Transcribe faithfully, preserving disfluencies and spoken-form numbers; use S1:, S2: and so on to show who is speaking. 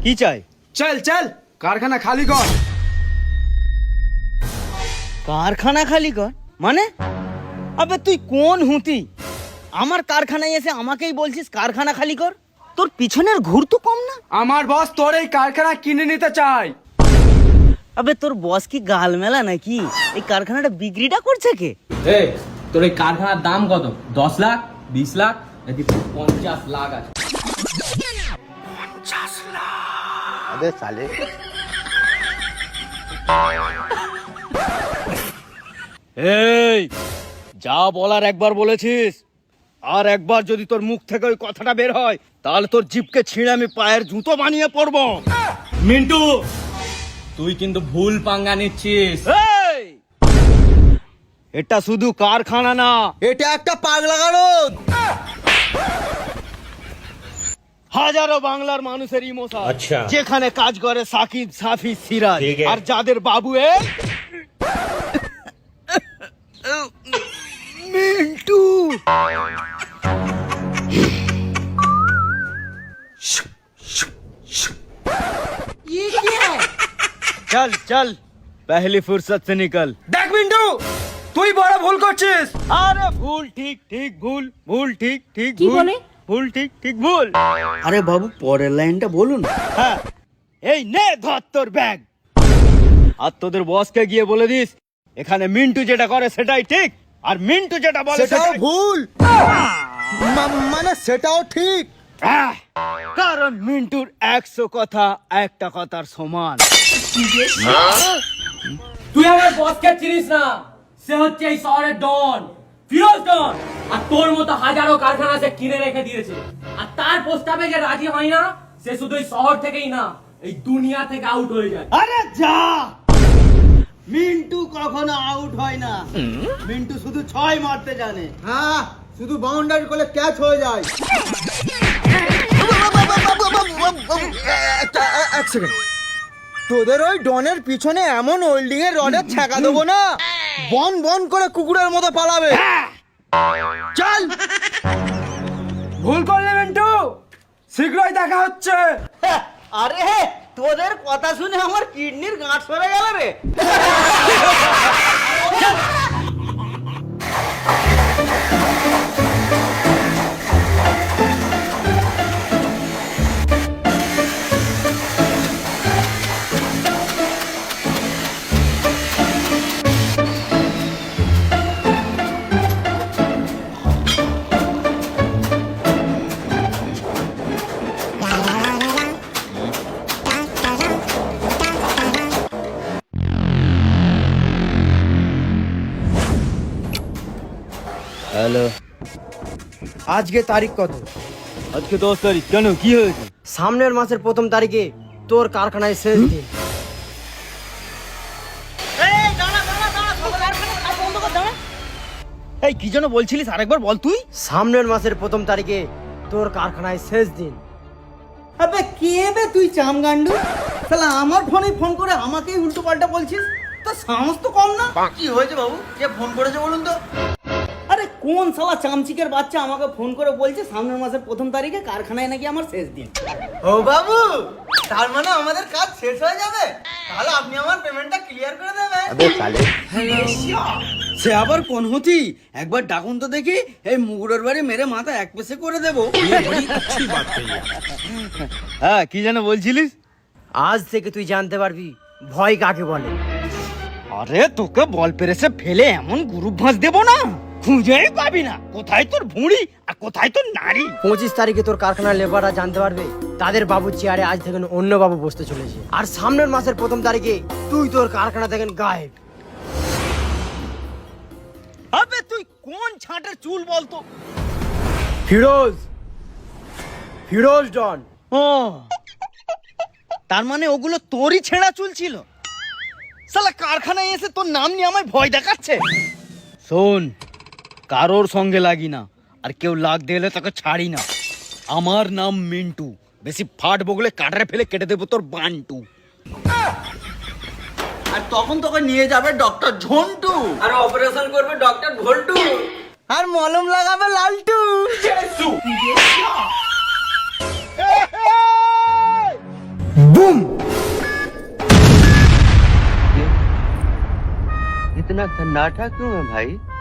S1: কি চাই?
S2: চল চল কারখানা খালি কর।
S1: কারখানা খালি কর মানে? আবে তুই কোন হুঁতি? আমার কারখানায় এসে আমাকেই বলছিস কারখানা খালি কর? তোর পিছনের ঘুর তো কম না?
S2: আমার বস তোর এই কারখানা কিনে নিতে চায়।
S1: আবে তোর বস কি গাল মেলা নাকি? এই কারখানাটা বিক্রিটা করছে কে?
S3: এই তোর এই কারখানার দাম কত? দশ লাখ, বিশ লাখ নাকি পঞ্চাশ লাখ আছে?
S2: পঞ্চাশ লাখ।
S1: আবে সালে এই যা বলার একবার বলেছিস, আর একবার যদি তোর মুখ থেকে ওই কথাটা বের হয় তাহলে তোর জিভকে ছিঁড়ে আমি পায়ের জুতো বানিয়ে পড়বো।
S3: মিন্টু, তুই কিন্তু ভুল পাঙ্গা নিচ্ছিস।
S1: এই এটা শুধু কারখানা না,
S4: এটা একটা পাগলা গারদ।
S1: হাজারো বাংলার মানুষের ইমোশন। আচ্ছা, যেখানে কাজ করে সাকিব, সাফি, সিরাজ, আর যাদের বাবু এই মিন্টু। চল চল পহলি ফুরসত সে নিকল।
S2: দেখ মিন্টু, তুই বড় ভুল করছিস।
S1: আরে ভুল ঠিক ঠিক ভুল, ভুল ঠিক ঠিক ভুল, ভুল ঠিক ঠিক ভুল। আরে বাবু পরের লাইনটা বলুন। হ্যাঁ, এই নে ধর তোর ব্যাগ, আর তোদের বসকে গিয়ে বলে দিস এখানে মিন্টু যেটা করে সেটাই ঠিক, আর মিন্টু যেটা বলে
S4: সেটাও
S1: সেটাই
S4: ভুল। মা- মানে সেটাও ঠিক।
S1: আহ, কারণ মিন্টুর একশো কথা একটা কথার সমান।
S3: তুই আমার বসকে চিনিস না, সে হচ্ছে এই শহরের ডন, ফিরোজ ডন। আর তোর মতো হাজারো কারখানা সে কিনে রেখে দিয়েছে, আর তার প্রস্তাবে যে রাজি হয় না সে শুধু এই শহর থেকেই না এই দুনিয়া থেকে আউট হয়ে যায়।
S1: আরে যা, মিন্টু কখনো আউট হয় না, মিন্টু শুধু ছয় মারতে জানে।
S4: হ্যাঁ, শুধু বাউন্ডারি করলে ক্যাচ হয়ে যায়। একটা- এ- এক সেকেন্ড, তোদের ওই ডনের পিছনে এমন হোল্ডিং এর রডের ছ্যাঁকা দেবো না, বন বন করে কুকুরের মতো পালাবে।
S1: চল।
S2: ভুল করলে মিন্টু, শীঘ্রই দেখা হচ্ছে।
S1: আরে তোদের কথা শুনে আমার কিডনির গাঁট সরে গেল রে। হ্যালো,
S4: আজকে তারিখ কত?
S1: আজকে দশ তারিখ। কেন, কি হয়েছে?
S4: সামনের মাসের প্রথম তারিখে তোর কারখানায় শেষ দিন।
S1: এই কি যেন বলছিলিস, আরেকবার বল তুই।
S4: সামনের মাসের প্রথম তারিখে তোর কারখানায় শেষ দিন।
S1: আবে কে বে তুই চামগান্ডু? শালা আমার ফোনে ফোন করে আমাকেই উল্টো পাল্টা বলছিস, তো সাহস তো কম না।
S4: কি হয়েছে বাবু, কে ফোন করেছে বলুন তো?
S1: আরে কোন শালা চামচিকের বাচ্চা আমাকে ফোন করে বলছে সামনের মাসের প্রথম তারিখে কারখানায় নাকি আমার শেষ দিন।
S4: ও বাবু, তার মানে আমাদের কাজ শেষ হয়ে যাবে, তাহলে আপনি আমার পেমেন্টটা ক্লিয়ার করে দেবেন।
S1: সে আবার কোন হতি? একবার ডাকুন তো দেখি, এই মুগুরের বাড়ি মেরে মাথা এক পেছে করে দেবো। হ্যাঁ, কি যেন বলছিলিস?
S4: আজ থেকে তুই জানতে পারবি ভয় কাকে বলে।
S1: আরে তোকে বল পেরেছে ফেলে এমন গ্রুপ ভাঁজ দেবো না, খুঁজেই পাবি না কোথায় তোর ভুঁড়ি আর কোথায় তোর নারী।
S4: পঁচিশ তারিখে তোর কারখানার লেবাররা জানতে পারবে তাদের বাবুর চেয়ারে আজ থেকে অন্য বাবু বসতে চলেছে। আর সামনের মাসের প্রথম তারিখে তুই তোর কারখানা থেকে গায়েব।
S1: আবে তুই কোন ছাঁটের চুল বলতো?
S4: ফিরোজ, ফিরোজ ডন।
S1: ও, তার মানে ওগুলো তোরই ছেঁড়া চুল ছিল? শালা কারখানায় এসে তোর নাম নিয়ে আমায় ভয় দেখাচ্ছে। শোন, কারোর সঙ্গে লাগি না, আর কেউ লাগ দিলে তোকে ছাড়ি না। আমার নাম মিন্টু, বেশি ফাট বগলে কাটারে ফেলে কেটে দেবো তোর বান্টু। আর তখন তোকে নিয়ে যাবে ডক্টর ঝন্টু,
S3: আর অপারেশন করবে ডক্টর ভোল্টু,
S4: আর মলম লাগাবে লালটু।
S5: इतना सन्नाटा क्यों है भाई?